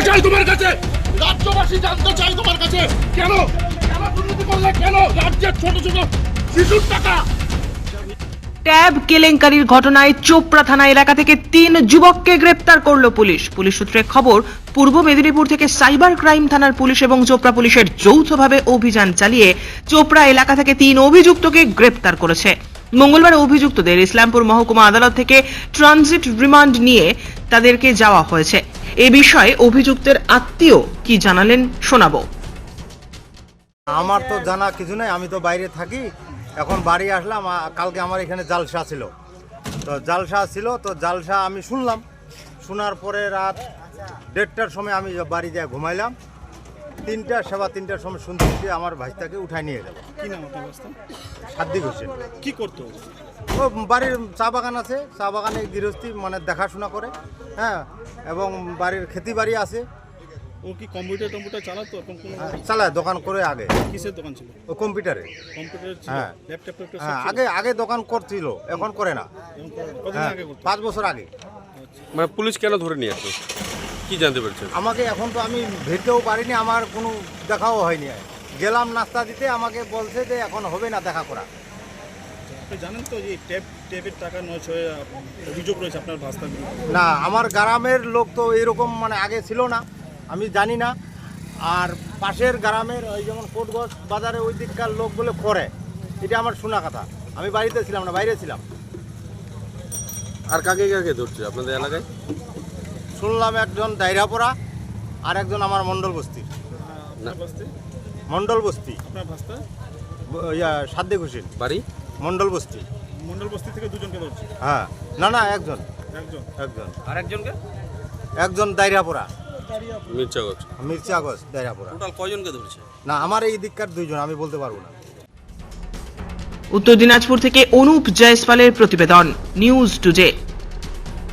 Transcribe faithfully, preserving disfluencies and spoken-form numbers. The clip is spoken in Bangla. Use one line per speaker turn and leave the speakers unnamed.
চাই তোমার কাছে, রাজ্যবাসী জানতে চাই তোমার কাছে, কেন কেন দুর্নীতি করলে, কেন রাজ্যের ছোট ছোট শিশুর টাকা।
ট্যাব কেলেঙ্কারির ঘটনায় চোপড়া থানা এলাকা থেকে তিন যুবককে গ্রেপ্তার করলো পুলিশ। পুলিশ সূত্রে খবর, পূর্ব মেদিনীপুর থেকে সাইবার ক্রাইম থানার পুলিশ এবং চোপড়া পুলিশের যৌথভাবে অভিযান চালিয়ে চোপড়া এলাকা থেকে তিন অভিযুক্তকে গ্রেপ্তার করেছে। মঙ্গলবার অভিযুক্তদের ইসলামপুর মহকুমা আদালত থেকে ট্রানজিট রিমান্ড নিয়ে তাদেরকে যাওয়া হয়েছে। এ বিষয়ে অভিযুক্তের আত্মীয় কি জানালেন শোনাবো।
আমার তো জানা কিছু নাই, আমি তো বাইরে থাকি। এখন বাড়ি আসলাম, কালকে আমার এখানে জালসা ছিল, তো জালসা ছিল তো জালসা আমি শুনলাম। শোনার পরে রাত দেড়টার সময় আমি বাড়ি যায় ঘুমাইলাম। তিনটার সেবা তিনটার সময় শুনতে আমার ভাইটাকে উঠাই নিয়ে গেল।
কি নাম আপনার অবস্থা?
সাদ্দিক হোসেন।
কি করতো?
ও বাড়ির চা বাগান আছে, চা বাগানে গৃহস্থী মানে দেখাশোনা করে, হ্যাঁ, এবং বাড়ির খেতি বাড়ি আছে।
ও কি কম্পিউটার টম্পিউটার চালাতো? এখন কোনো
চালায়, দোকান করে আগে।
কিসের দোকান ছিল?
ও কম্পিউটারে।
কম্পিউটার ছিল,
হ্যাঁ।
ল্যাপটপ ট্যাপটপ
হ্যাঁ, আগে আগে দোকান করছিল, এখন করে না।
কতদিন
হ্যাঁ,
আগে করতো?
পাঁচ বছর আগে।
মানে পুলিশ কেন ধরে নিয়ে আসলো, কি জানতে পারছেন?
আমাকে এখন তো আমি ভেটেও পারিনি, আমার কোনো দেখাও হয়নি। গেলাম নাস্তা দিতে, আমাকে বলছে যে এখন হবে না দেখা করা।
আপনি জানেন তো যে ট্যাব ট্যাবের টাকা নয় ছয় অভিযোগ রয়েছে আপনার ভাস্তার বিরুদ্ধে?
না, আমার গ্রামের লোক তো এরকম মানে আগে ছিল না, আমি জানি না। আর পাশের গ্রামের ওই যেমন কোটগঞ্জ বাজারে ওই দিককার লোক বলে করে, এটা আমার শোনা কথা। আমি বাড়িতে ছিলাম না, বাইরে ছিলাম।
আর কাকে কাকে ধরছে আপনাদের এলাকায়?
শুনলাম একজন দায়রাপড়া আর একজন আমার মণ্ডল বস্তি।
আপনার ভাস্তে?
মণ্ডল বস্তি,
আপনার ভাস্তা?
ব- ইয়া সাদ্দিক হোসেন,
বাড়ি
মণ্ডল বস্তি।
মন্ডল বস্তি থেকে দুজনকে ধরছে?
হ্যাঁ, না না, একজন
একজন।
একজন
আর একজনকে?
একজন দায়রাপড়া,
মির্চাগঞ্জ।
মির্চাগঞ্জ দায়রাপড়া।
টোটাল কয়জনকে ধরছে?
না, আমার এই দিককার দুইজন, আমি বলতে পারবো না।
উত্তর দিনাজপুর থেকে অনুপ জয়সওয়ালের প্রতিবেদন, নিউজ টুডে।